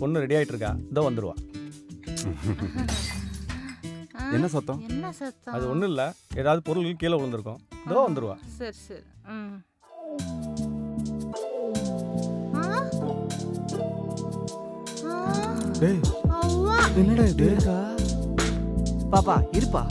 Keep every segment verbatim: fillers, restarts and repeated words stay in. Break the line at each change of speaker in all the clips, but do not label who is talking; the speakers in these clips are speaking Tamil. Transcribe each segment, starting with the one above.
பொண்ணு ரெடி ஆயிட்டு இருக்கா, இதோ வந்துருவா.
என்ன சத்தம்?
என்ன சத்தம்?
அது ஒண்ணும் இல்ல, ஏதாவது பொருள் கீழே விழுந்திருக்கும், இதோ வந்துருவா.
சரி சரி. ம்.
டேய்
அவ்வா.
என்னடா இது?
பாப்பா இருப்பா.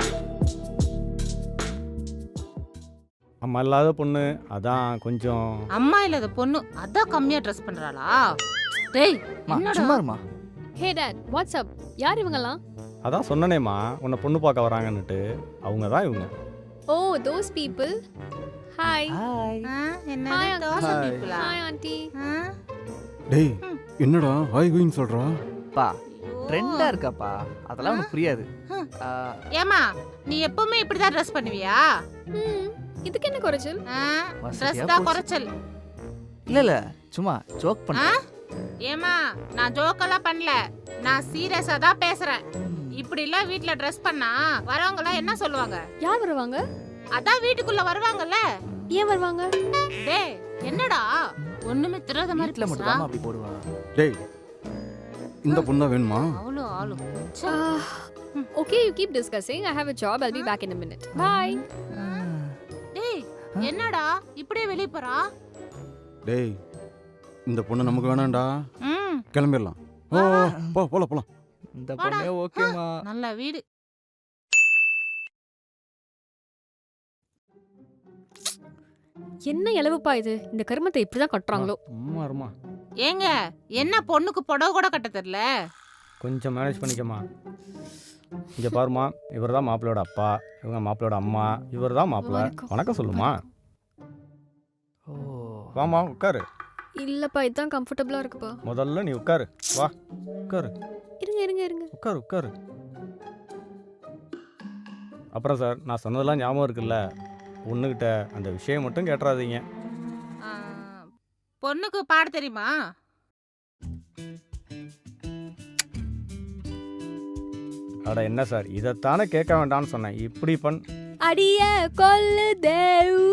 அம்மா இல்லாத பொண்ணு, அதான் கொஞ்சம்.
அம்மா இல்லாத பொண்ணு அதான் கம்மியா ட்ரெஸ் பண்றாளா? டேய்
மா
என்னடா?
சும்மா இருமா.
Hey dad, what's up? யார் இவங்கலாம்?
அதான் சொன்னனேம்மா, உன்னை பொண்ணு பார்க்க வராங்கன்னுட்டு. அவங்க தான் இவங்க.
Oh, those people. Hi.
Hi.
ஆ, என்ன
Hi,
தோசை
Hi.
பீப்புளா?
Hi aunty.
ஆ?
டேய் என்னடா ஹாய் குயின் சொல்றா?
பா
ஐயோ.
ட்ரெண்டா இருக்காப்பா, அதெல்லாம் உனக்கு புரியாது.
ஹம்.
ஆ,
ஏமா நீ எப்பவுமே இப்படிதான் ட்ரெஸ் பண்ணுவியா?
ம், இதுக்கு என்ன குறைச்சல்?
வசதியா
ட்ரெஸ் தான்
போச்சு.
குறைச்சல்.
இல்ல இல்ல சும்மா ஜோக்
ஆ?
பண்ணேன்.
ஏமா நான் ஜோக்கெல்லாம் பண்ணல, நான் சீரியஸா தான் பேசுறேன். இப்படி எல்லாம் வீட்ல ட்ரெஸ் பண்ணா வரவங்க எல்லாம் என்ன சொல்லுவாங்க?
யார் வருவாங்க?
அதான் வீட்டுக்குள்ள வருவாங்கல்ல.
ஏன் வருவாங்க?
டேய் என்னடா ஒண்ணுமே தெரியாத மாதிரி
வீட்ல மட்டும்
பேசுறா?
தான் அப்படி போடுவா.
டேய் இந்த பொண்ணு தான் வேணுமா?
அவ்வளோ ஆளு.
Okay, you keep discussing. I have a job. I'll be back in a minute. Bye.
டேய் என்னடா இப்படியே வெளிய போறா?
டேய் இந்த பொண்ணு நமக்கு வேணாம்டா,
ம்
கிளம்பிடலாம். ஓ ஓ, போ போலாம் போலாம்.
இந்த பொண்ணே ஓகேமா.
நல்ல வீடு.
என்ன இலவுப்பா இது? இந்த கருமத்தை இப்படிதான் கட்டுறாங்களோ?
அம்மா இருமா,
ஏங்க என்ன பொண்ணுக்கு புடவை கூட கட்ட தெரியல?
கொஞ்சம் மேனேஜ் பண்ணிக்கம்மா. இங்க பாருமா, இவர் தான் மாப்பிள்ளையோட அப்பா, இவங்க மாப்பிள்ளையோட அம்மா, இவர் தான் மாப்பிள்ளை.
வணக்கம்.
வணக்கம் சொல்லுமா.
ஓ
வாமா உட்காரு.
இல்லப்பா, இதுதான் கம்ஃபர்டபுளா இருக்குப்பா.
முதல்ல நீ உட்காரு. வா உட்காரு,
இருங்க இருங்க இருங்க.
உட்காரு உட்காரு. அப்புறம் சார், நான் சொன்னதெல்லாம் ஞாபகம் இருக்குல்ல, பொண்ணுக்கிட்ட அந்த விஷயம் மட்டும் கேட்டுறாதீங்க.
ஆ, பொண்ணுக்கு பாட தெரியுமா?
அட என்ன சார், இதைத்தானே கேட்க வேண்டாம்னு சொன்னேன். இப்படி பண்.
அடிய கொல்லுதே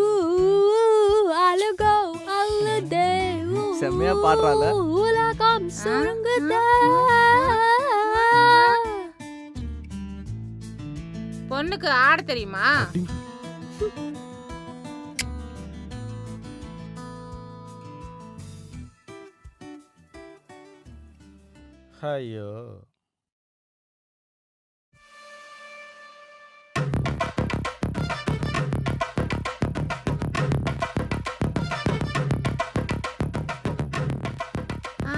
அழுகோ அழுதே
செம்மையா பாடுறாள.
உலகம் சுருங்குதே.
பொண்ணுக்கு ஆட தெரியுமா?
ஐயோ,
ஆ?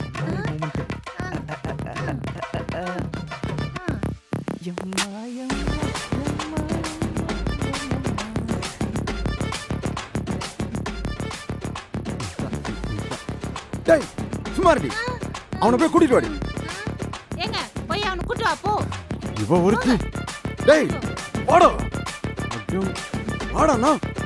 எம்மா, எம்மா, எம்மா,
டேய் சும்மா இருடி, அவனை போய் கூட்டிட்டு வாடி.
ஏங்க போய் அவனை கூட்டு வா போ.
இவ ஒருத்தி. டேய் வாடா. ஐயோ வாடாண்ணா.